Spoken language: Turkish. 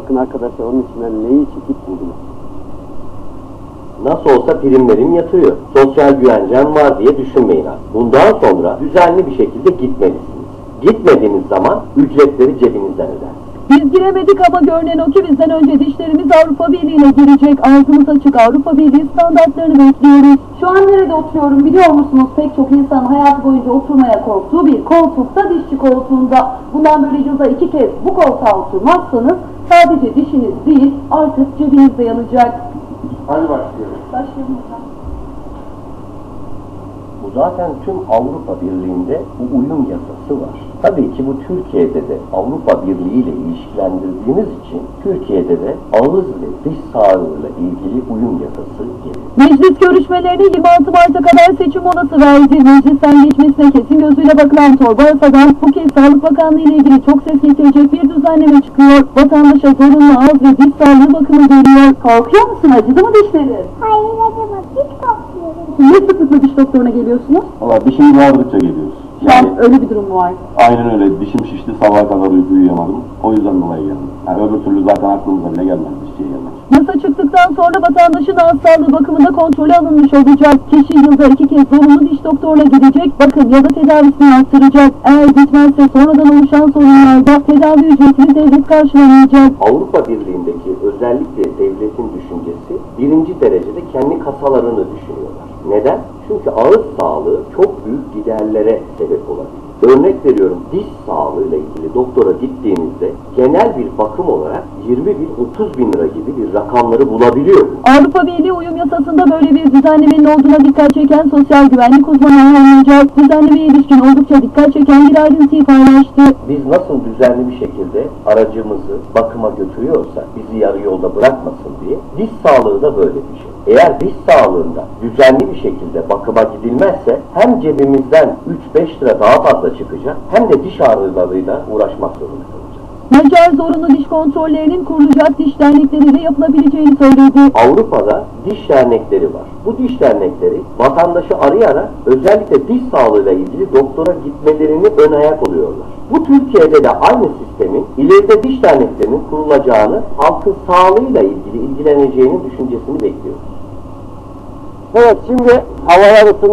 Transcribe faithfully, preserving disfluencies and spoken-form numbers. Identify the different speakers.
Speaker 1: bakın arkadaşlar onun içinden neyi çekip buldular.
Speaker 2: Nasıl olsa primlerim yatıyor. Sosyal güvencem var diye düşünmeyin artık. Bundan sonra düzenli bir şekilde gitmelisiniz. Gitmediğiniz zaman ücretleri cebinizden ödersiniz.
Speaker 3: Biz giremedik ama görünen o ki bizden önce dişlerimiz Avrupa Birliği'ne girecek. Ağzımız açık, Avrupa Birliği standartlarını bekliyoruz.
Speaker 4: Şu an nerede oturuyorum biliyor musunuz? Pek çok insan hayatı boyunca oturmaya korktuğu bir koltukta, dişçi koltuğunda. Bundan böyle yılda iki kez bu koltuğa oturmazsanız sadece dişiniz değil artık cebiniz de yanacak.
Speaker 2: Hadi başlayalım.
Speaker 4: Başlayalım hocam.
Speaker 2: Bu zaten tüm Avrupa Birliği'nde bu uyum yasası var. Tabii ki bu Türkiye'de de Avrupa Birliği ile ilişkilendirdiğimiz için Türkiye'de de ağız ve diş sağlığıyla ilgili uyum yasası gelir.
Speaker 3: Meclis görüşmelerine yirmi altı Mart'a kadar seçim molası verdi. Meclisten geçmesine kesin gözüyle bakılan torba yasadan bu kez Sağlık Bakanlığı ile ilgili çok ses getirecek bir düzenleme çıkıyor. Vatandaşa zorunlu ağız ve diş sağlığı bakımı geliyor.
Speaker 4: Korkuyor musun? Acıdı mı dişleri?
Speaker 5: Hayır acımaz, hiç korkmuyorum.
Speaker 4: Niye sıklıkla diş doktoruna geliyorsunuz?
Speaker 6: Valla dişimiz ağrıdıkça geliyoruz.
Speaker 4: Şu an öyle bir durum mu var?
Speaker 6: Aynen öyle. Dişim şişti, sabaha kadar uyku uyuyamadım. O yüzden dolayı geldim. Yani öbür türlü zaten aklımıza bile gelmez dişçiye gelmek.
Speaker 3: Yasa çıktıktan sonra vatandaşın ağız sağlığı bakımında kontrolü alınmış olacak. Kişi yılda iki kez zorunlu diş doktoruna gidecek, bakım ya da tedavisini arttıracak. Eğer gitmezse sonradan oluşan sorunlarda tedavi ücretini devlet karşılamayacak.
Speaker 2: Avrupa Birliği'ndeki özellikle devletin düşüncesi birinci derecede kendi kasalarını düşünüyorlar. Neden? Çünkü ağız sağlığı çok büyük giderlere sebep olabilir. Örnek veriyorum, diş sağlığıyla ilgili doktora gittiğinizde genel bir bakım olarak yirmi bin otuz bin lira gibi bir rakamları bulabiliyor.
Speaker 3: Avrupa Birliği uyum yasasında böyle bir düzenlemenin olduğuna dikkat çeken sosyal güvenlik uzmanı anlayacak. Düzenlemeye ilişkin oldukça dikkat çeken bir ayrıntıyı paylaştı.
Speaker 2: Biz nasıl düzenli bir şekilde aracımızı bakıma götürüyorsa bizi yarı yolda bırakmasın diye diş sağlığı da böyle bir şey. Eğer diş sağlığında düzenli bir şekilde bakıma gidilmezse hem cebimizden üç beş lira daha fazla çıkacak hem de diş ağrılarıyla uğraşmak zorunda kalacağız.
Speaker 3: Macar zorunlu diş kontrollerinin kurulacak diş dernekleriyle yapılabileceğini söyledi.
Speaker 2: Avrupa'da diş dernekleri var. Bu diş dernekleri vatandaşı arayarak özellikle diş sağlığıyla ilgili doktora gitmelerini ön ayak oluyorlar. Bu Türkiye'de de aynı sistemin ileride diş derneklerinin kurulacağını, halkın sağlığıyla ilgili ilgileneceğini düşüncesini bekliyoruz.
Speaker 1: Evet, şimdi havalar ısındı.